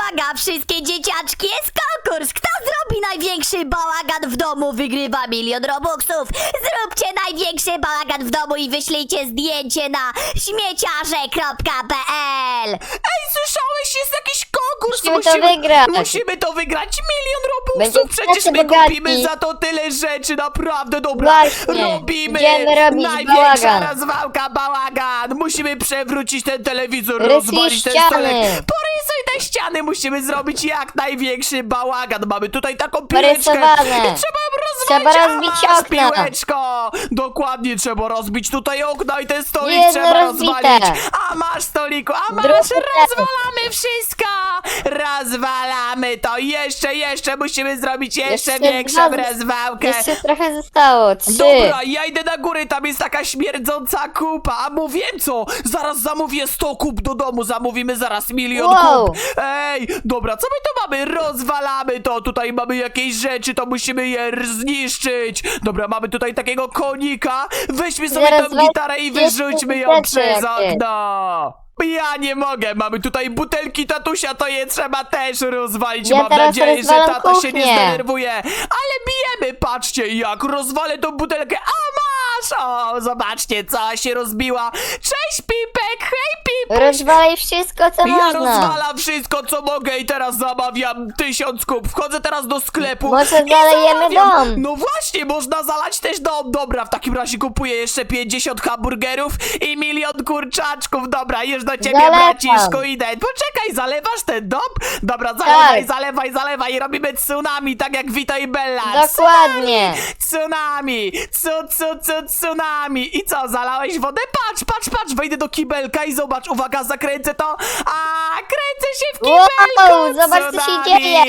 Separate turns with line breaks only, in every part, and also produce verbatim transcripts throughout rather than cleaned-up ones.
uwaga, wszystkie dzieciaczki, jest konkurs! Kto zrobi największy bałagan w domu, wygrywa milion robuxów! Zróbcie największy bałagan w domu i wyślijcie zdjęcie na śmieciarze kropka pe el.
Ej, słyszałeś? Jest jakiś konkurs!
Musimy to wygrać.
Musimy to wygrać! Milion robuxów!
Będziemy
Przecież
tacy
my
bogaci.
kupimy za to tyle rzeczy, naprawdę, dobra!
Właśnie.
Robimy!
Idziemy robić
Największa
bałagan.
rozwałka, bałagan! Musimy przewrócić ten telewizor,
Rysuj
rozwalić ten
ściany.
stolek! Porysuj te ściany! Musimy zrobić jak największy bałagan! Mamy tutaj taką piłeczkę!
Porysowane.
I trzeba ją rozwalić!
Trzeba
A,
rozbić
masz
okna.
piłeczko! Dokładnie, trzeba rozbić tutaj okna i ten stolik
Jedno
trzeba
rozbite.
rozwalić! A masz stoliku, a masz,
Drugie
rozwalamy wszystko! Rozwalamy to! Jeszcze, jeszcze musimy zrobić jeszcze,
Jeszcze
większą
dwa-
rozwałkę!
Jeszcze trochę zostało. Trzy.
Dobra, ja idę na górę, tam jest taka śmierdząca kupa, a mu wiem co, zaraz zamówię sto kup do domu, zamówimy zaraz milion
Wow.
kup. Ej, dobra, co my tu mamy? Rozwalamy to, tutaj mamy jakieś rzeczy, to musimy je r- zniszczyć. Dobra, mamy tutaj takiego konika, weźmy sobie
Zaraz
tą
weź-
gitarę i
jeszcze
wyrzućmy ją
rzeczy
przez
jakieś.
okno. Ja nie mogę, mamy tutaj butelki tatusia, to je trzeba też rozwalić.
Ja
Mam
teraz
nadzieję, że
rozwalam
tata się nie
kuchnię.
zdenerwuje. Ale bijemy, patrzcie jak rozwalę tą butelkę. A masz! O, zobaczcie, cała się rozbiła. Cześć Pipek, hej Pipek!
Rozwalaj wszystko, co
Ja
można.
rozwalam wszystko co mogę i teraz zamawiam tysiąc kup. Wchodzę teraz do sklepu.
Może
i
zalejemy
zamawiam.
dom.
No właśnie, można zalać też dom. Dobra, w takim razie kupuję jeszcze pięćdziesiąt hamburgerów i milion kurczaczków. Dobra, już do ciebie
Zalewam.
braciszku idę. Poczekaj, zalewasz ten dom? Dobra, zalewaj,
Tak.
zalewaj, zalewaj i robimy tsunami, tak jak Vito i Bella.
Dokładnie.
Tsunami! Tsu, tsu, tsu, tsunami! I co, zalałeś wodę? Patrz, patrz, patrz! Wejdę do kibelka i zobacz, uwaga, zakręcę to! A, kręcę się w kibelku!
Wow, zobacz, co się
Tsunami!
dzieje.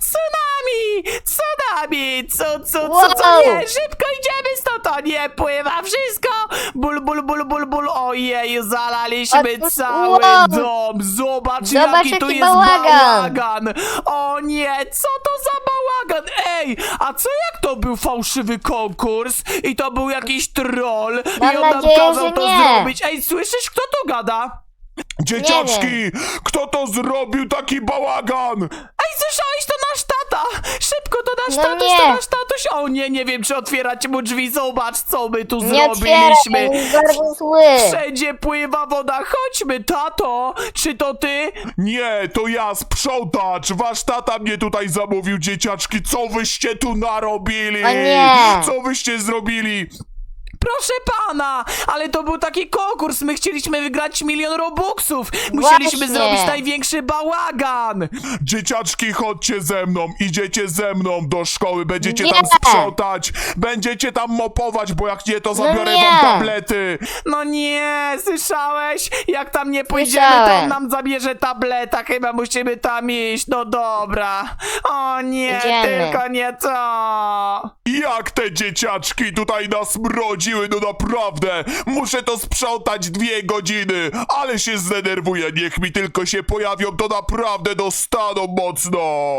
Tsunami! Tsunami! Cu, cu, cu,
Wow.
co nie? Szybko idziemy stąd! O nie, pływa wszystko! Ból, ból, ból, ból, ból! Ojej, zalaliśmy
Otóż,
cały
wow.
dom! Zobacz,
Zobacz,
jaki tu
jaki
jest
bałagan.
bałagan! O nie, co to za bałagan? Ej, a co jak to był fałszywy konkurs i to był jakiś troll
Mam
i on nam
nadzieję,
kazał
że
to
nie.
zrobić? Ej, słyszysz, kto tu gada?
Dzieciaczki, kto to zrobił taki bałagan?
Ej, słyszałeś, to nasz tata! Szybko, to nasz
No
tatuś,
nie.
to nasz tatuś! O nie, nie wiem, czy otwierać mu drzwi, zobacz, co my tu
Nie otwieraj,
zrobiliśmy!
jest bardzo zły.
Wszędzie pływa woda, chodźmy, tato! Czy to ty?
Nie, to ja, sprzątacz. Wasz tata mnie tutaj zamówił, dzieciaczki. Co wyście tu narobili?
O nie.
Co wyście zrobili?
Proszę pana, ale to był taki konkurs, my chcieliśmy wygrać milion robuxów, musieliśmy
Właśnie.
zrobić największy bałagan.
Dzieciaczki, chodźcie ze mną. Idziecie ze mną do szkoły. Będziecie
Nie.
tam sprzątać. Będziecie tam mopować, bo jak nie, to zabiorę
nie.
wam tablety.
No nie, słyszałeś? Jak tam nie pójdziemy, to
Słyszałem.
on nam zabierze tableta, chyba musimy tam iść, no dobra. O nie,
Idziemy.
tylko nie to.
Jak te dzieciaczki tutaj nas mrodziły, no naprawdę! Muszę to sprzątać dwie godziny, ale się zdenerwuję, niech mi tylko się pojawią, to naprawdę dostaną mocno!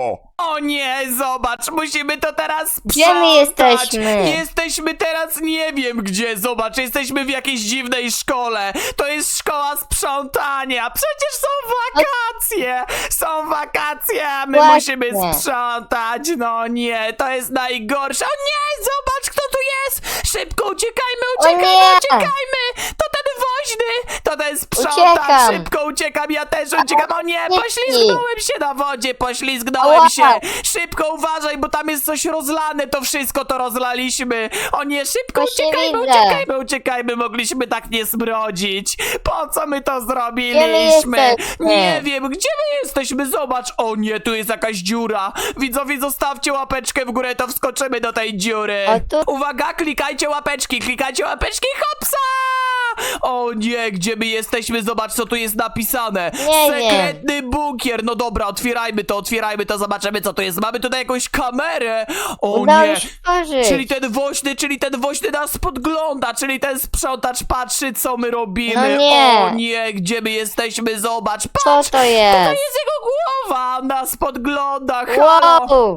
O nie, zobacz, musimy to teraz sprzątać.
Gdzie my jesteśmy?
Jesteśmy teraz nie wiem gdzie, zobacz, jesteśmy w jakiejś dziwnej szkole. To jest szkoła sprzątania, przecież są wakacje. Są wakacje, a my
Właśnie.
musimy sprzątać. No nie, to jest najgorsze. O nie, zobacz kto tu jest. Szybko uciekajmy, uciekajmy,
nie.
uciekajmy. To ten woźny, to ten sprzątacz.
Uciekam.
Szybko uciekam, ja też uciekam. O nie,
Nie.
poślizgnąłem się na wodzie, poślizgnąłem
Ała.
się. Szybko uważaj, bo tam jest coś rozlane, to wszystko to rozlaliśmy. O nie, szybko
Właśnie
uciekajmy,
widzę.
uciekajmy, uciekajmy, mogliśmy tak nie smrodzić. Po co my to
Gdzie my
zrobiliśmy?
jesteśmy?
Nie wiem, gdzie my jesteśmy? Zobacz, o nie, tu jest jakaś dziura. Widzowie, zostawcie łapeczkę w górę, to wskoczymy do tej dziury.
A tu-
Uwaga, klikajcie łapeczki, klikajcie łapeczki, hopsa! O nie, gdzie my jesteśmy? Zobacz, co tu jest napisane.
Nie wiem.
Sekretny bunkier. No dobra, otwierajmy to, otwierajmy to, zobaczymy, co to jest. Mamy tutaj jakąś kamerę. O
Udało
nie.
się stworzyć.
Czyli ten woźny, czyli ten woźny nas podgląda, czyli ten sprzątacz patrzy, co my robimy.
No nie.
O nie, gdzie my jesteśmy? Zobacz,
Co
patrz.
to
To
jest?
jest jego głowa, on nas podgląda. Halo.
Wow.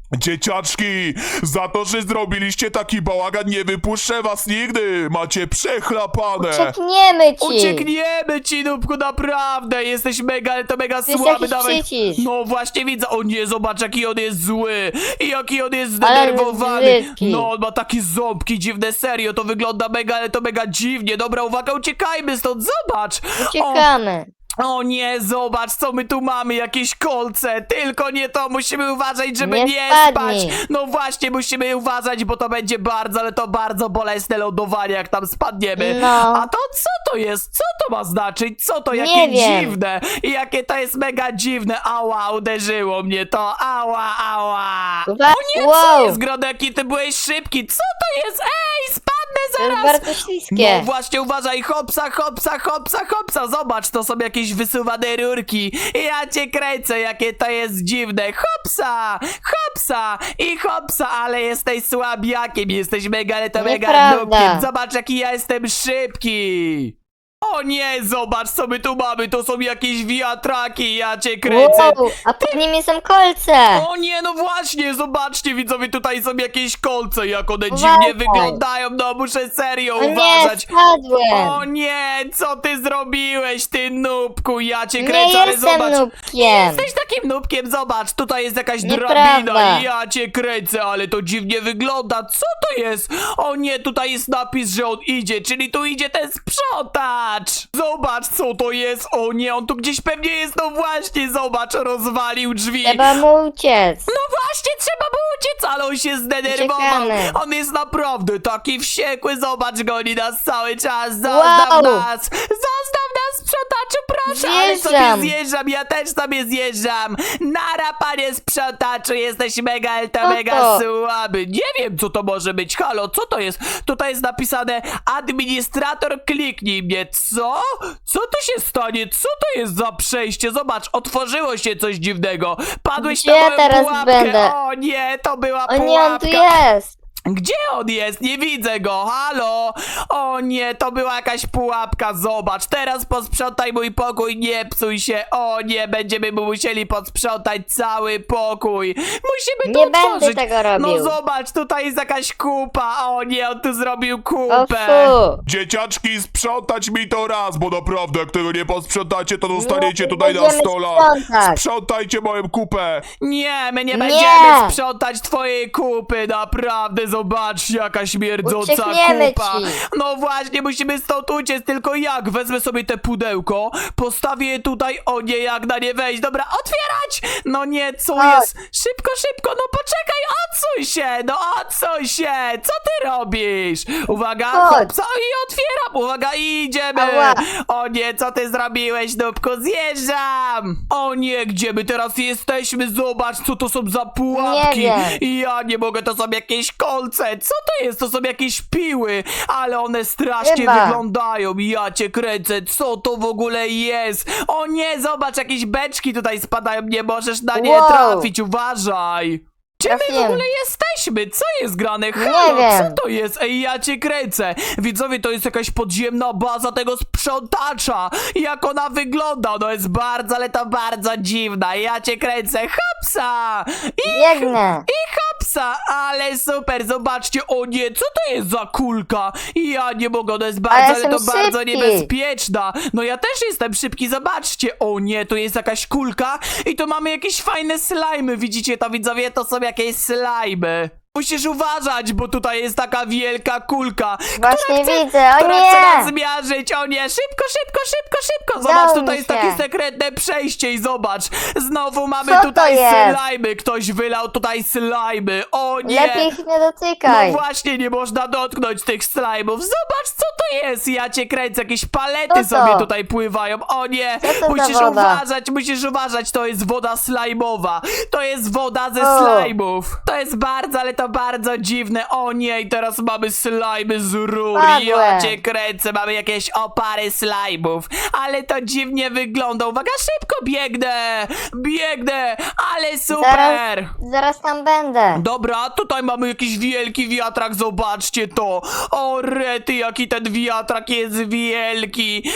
Dzieciaczki, za to, że zrobiliście taki bałagan, nie wypuszczę was nigdy. Macie przechlapane.
Uciekniemy ci.
Uciekniemy ci, Nubku, naprawdę! Jesteś mega, ale to mega
To jest
słaby,
jakiś
dawaj.
przycisk.
No właśnie widzę, o nie, zobacz jaki on jest zły i jaki on jest
Ale
zdenerwowany.
brzydki.
No, on ma takie ząbki dziwne, serio, to wygląda mega, ale to mega dziwnie. Dobra, uwaga, uciekajmy stąd, zobacz! O,
Uciekamy.
o nie, zobacz, co my tu mamy, jakieś kolce, tylko nie to, musimy uważać, żeby
Nie
nie,
spadnij.
spać. No właśnie, musimy uważać, bo to będzie bardzo, ale to bardzo bolesne lądowanie, jak tam spadniemy.
No.
A to co to jest? Co to ma znaczyć? Co to?
Nie
Jakie
wiem.
dziwne. I jakie to jest mega dziwne. Ała, uderzyło mnie to. Ała, ała.
Uwa-
O nie, co
wow.
jest, Grodek? Ty byłeś szybki. Co to jest? Ej, spadnę
To jest
zaraz.
bardzo śliskie.
No właśnie, uważaj, hopsa, hopsa, hopsa, hopsa, zobacz, to są jakieś wysuwane rurki. Ja cię kręcę, jakie to jest dziwne. Hopsa, hopsa i hopsa, ale jesteś słabiakiem, jesteś mega, ale to mega
Nieprawda.
nubkiem. Zobacz, jaki ja jestem szybki. O nie, zobacz, co my tu mamy, to są jakieś wiatraki, ja cię kręcę.
Wow, a pod nimi są kolce.
O nie, no właśnie, zobaczcie widzowie, tutaj są jakieś kolce, jak one
Uważaj.
dziwnie wyglądają, no muszę serio
O nie,
uważać.
spadłem.
O nie, co ty zrobiłeś, ty nubku, ja cię
Nie
kręcę, ale
jestem
zobacz.
nubkiem.
Jesteś takim nubkiem, zobacz, tutaj jest jakaś
Nieprawda.
drabina i ja cię kręcę, ale to dziwnie wygląda, co to jest? O nie, tutaj jest napis, że on idzie, czyli tu idzie ten sprzątacz. Zobacz, co to jest, o nie, on tu gdzieś pewnie jest, no właśnie, zobacz, rozwalił drzwi.
Trzeba mu uciec.
No właśnie, trzeba było uciec, ale on się zdenerwował.
Uciekamy.
On jest naprawdę taki wściekły, zobacz, goni nas cały czas, zostaw
Wow.
nas, zostaw nas, sprzątaczu, proszę, ale sobie
Zjeżdżam.
zjeżdżam, ja też sobie zjeżdżam. Nara, panie sprzątaczu, jesteś mega, ale to
Co
mega
to?
słaby. Nie wiem, co to może być, halo, co to jest? Tutaj jest napisane, administrator, kliknij mnie, co? Co tu się stanie? Co to jest za przejście? Zobacz, otworzyło się coś dziwnego. Padłeś
Gdzie
na
ja
moją
teraz
pułapkę.
będę?
O nie, to była
O nie,
pułapka.
on tu jest.
Gdzie on jest? Nie widzę go, halo! O nie, to była jakaś pułapka, zobacz, teraz posprzątaj mój pokój, nie psuj się, o nie, będziemy mu musieli posprzątać cały pokój. Musimy to
Nie będę
otworzyć.
tego robił.
No zobacz, tutaj jest jakaś kupa, o nie, on tu zrobił
O
kupę.
fu.
Dzieciaczki, sprzątać mi to raz, bo naprawdę jak tego nie posprzątacie, to dostaniecie
No,
tutaj na
będziemy
stole.
sprzątać.
Sprzątajcie moją kupę.
Nie, my nie,
Nie.
będziemy sprzątać twojej kupy, naprawdę, zobacz, jaka śmierdząca
Uciekniemy
kupa.
ci.
No właśnie, musimy stąd uciec, tylko jak? Wezmę sobie te pudełko, postawię je tutaj, o nie, jak na nie wejść, dobra, otwierać! No nie, co
Chodź.
jest? Szybko, szybko, no poczekaj, odsuń się, no odsuń się, co ty robisz? Uwaga,
Chodź.
hopsa, i otwieram, uwaga, idziemy.
Ała.
O nie, co ty zrobiłeś, Nubku? Zjeżdżam! O nie, gdzie my teraz jesteśmy? Zobacz, co to są za pułapki.
Nie wiem.
I ja nie mogę, to są jakieś kolce. Co to jest? To są jakieś piły, ale one strasznie
Chyba.
wyglądają. Ja cię kręcę, co to w ogóle jest? O nie, zobacz, jakieś beczki tutaj spadają. Nie możesz na nie
Wow.
trafić, uważaj. Gdzie my w
Trafiłem.
ogóle jesteśmy? Co jest grane? Halo,
Nie wiem.
co to jest? Ej, ja cię kręcę. Widzowie, to jest jakaś podziemna baza tego sprzątacza. Jak ona wygląda? Ona jest bardzo, ale to bardzo dziwna. Ja cię kręcę. Hopsa! I,
Biegnę.
i hopsa! Ale super, zobaczcie. O nie, co to jest za kulka? Ja nie mogę, ona jest bardzo,
Ale
ale to
jestem
bardzo
szybki.
niebezpieczna. No ja też jestem szybki, zobaczcie. O nie, tu jest jakaś kulka i tu mamy jakieś fajne slajmy. Widzicie to, widzowie? To są jakieś slajmy. Musisz uważać, bo tutaj jest taka wielka kulka.
Właśnie
chce-
widzę. O
która chce nas
nie.
zmiażdżyć. O nie, szybko, szybko, szybko, szybko. Zobacz,
Udało
tutaj
mi
jest
się.
takie sekretne przejście i zobacz. Znowu mamy
Co to
tutaj
jest?
slajmy. Ktoś wylał tutaj slajmy. O nie.
Lepiej ich nie
No
dotykaj.
właśnie, nie można dotknąć tych slajmów. Zobacz, co to jest. Ja cię kręcę, jakieś palety
Co to?
sobie tutaj pływają. O nie,
Co to za
musisz
woda?
uważać, musisz uważać. To jest woda slajmowa. To jest woda ze
O.
slajmów. To jest bardzo, ale to bardzo dziwne. O nie, i teraz mamy slajmy z rur. Ja
Padłem.
cię kręcę, mamy jakieś opary slajmów. Ale to dziwnie wygląda. Uwaga, szybko biegnę. Biegnę, ale super.
Zaraz, zaraz tam będę.
Dobra, tutaj mamy jakiś wielki wiatrak, zobaczcie to. O rety, jaki ten wiatrak jest wielki. Ja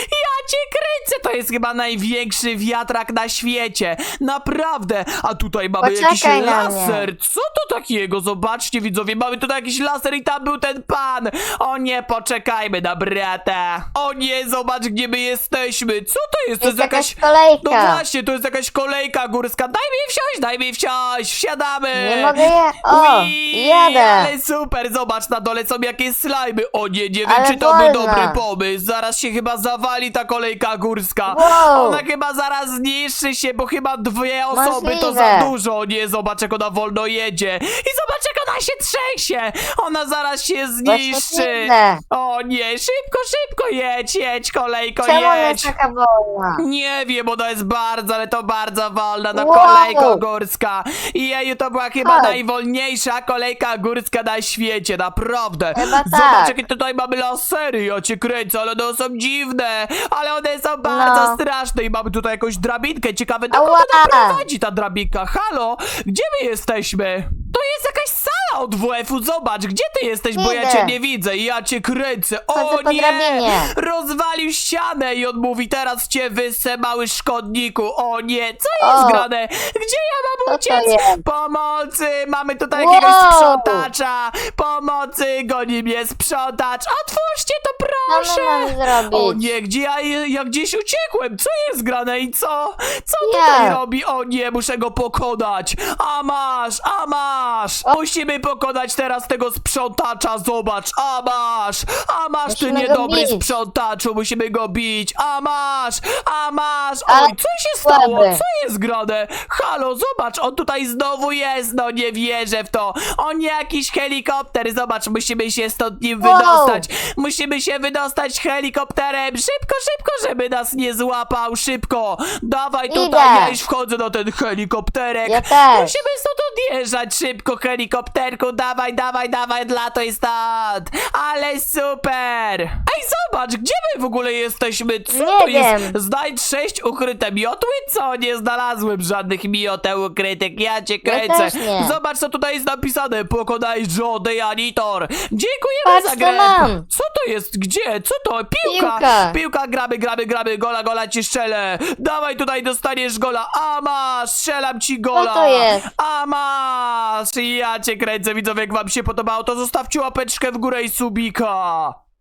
cię kręcę, to jest chyba największy wiatrak na świecie. Naprawdę. A tutaj mamy
Poczekaj
jakiś
na mnie.
laser. Co to takiego? Zobaczcie, widzowie, mamy tutaj jakiś laser i tam był ten pan. O nie, poczekajmy na brata. O nie, zobacz, gdzie my jesteśmy. Co to jest? To
Jest
jest
jakaś
jakaś...
kolejka.
No właśnie, to jest jakaś kolejka górska. Daj mi wsiąść, daj mi wsiąść. Wsiadamy.
Nie mogę je... O,
Ui,
jadę.
ale super, zobacz, na dole są jakieś slajmy. O nie, nie wiem,
Ale
czy to był
wolna.
dobry pomysł. Zaraz się chyba zawali ta kolejka górska.
Wow.
Ona chyba zaraz zniszczy się, bo chyba dwie osoby to
Możliwe.
za dużo. O nie, zobacz, jak ona wolno jedzie. I zobacz, jak ona się trzęsie. Ona zaraz się
Właśnie
zniszczy.
widzę.
O nie, szybko, szybko jedź, jedź, kolejko,
Czemu ona jest
jedź.
taka wolna?
Nie wiem, ona jest bardzo, ale to bardzo wolna, no
Wow.
kolejko górska. I jeju, to była chyba
Tak.
najwolniejsza kolejka górska na świecie, naprawdę.
Chyba
Zobacz,
tak.
jakie tutaj mamy lasery, ja cię kręcę, ale one są dziwne, ale one są bardzo
No.
straszne i mamy tutaj jakąś drabinkę, ciekawe, dokąd
Ała.
ona prowadzi ta drabinka. Halo, gdzie my jesteśmy? To jest jakaś sala od W F-u, zobacz, gdzie ty jesteś, bo ja
Idę.
cię nie widzę i ja cię kręcę. O
Chodzę po
nie,
drabinie.
rozwalił ścianę i on mówi, teraz cię wysę, mały szkodniku. O nie, co jest
O.
grane? Gdzie ja mam
Co to
uciec?
jest?
Pomocy, mamy tutaj
Wow.
jakiegoś sprzątacza. Pomocy, goni mnie sprzątacz. Otwórzcie to,
Co
proszę.
my mamy zrobić?
O nie, gdzie ja, ja gdzieś uciekłem? Co jest grane i co? Co
Nie.
tutaj robi? O nie, muszę go pokonać. A masz, a masz.
O.
Musimy pokonać teraz tego sprzątacza, zobacz. A masz, a masz ty
Musimy go
niedobry
bić.
sprzątaczu, musimy go bić. A masz, a masz.
Ale
Oj, co się stało?
słaby.
Co jest grane? Halo, zobacz, on tutaj znowu jest. No nie wierzę w to. On jakiś helikopter, zobacz, musimy się stąd nim
Wow.
wydostać. Musimy się wydostać helikopterem. Szybko, szybko, żeby nas nie złapał. Szybko. Dawaj tutaj,
Idę.
ja już wchodzę na ten helikopterek.
Ja też.
Musimy stąd odjeżdżać. Szybko, helikopterku. Dawaj, dawaj, dawaj, latuj stąd. Ale super. Ej, zobacz, gdzie my w ogóle jesteśmy? Co
Nie
to jest?
wiem.
Znajdź sześć ukryte miotły? Co? Nie znalazłem żadnych mioteł ukrytych. Ja cię
Ja
kręcę.
też nie.
Zobacz, co tutaj jest napisane. Pokonaj Joe the Janitor. Dziękujemy
Patrz,
za
co
grę.
mam.
Co to jest? Gdzie? Co to? Piłka.
Piłka.
Piłka, gramy, gramy, gramy. Gola, gola ci strzelę. Dawaj tutaj, dostaniesz gola. A masz, strzelam ci gola.
to jest?
A masz. Ja cię kręcę, widzowie. Jak wam się podobało, to zostawcie łapeczkę w górę i subika.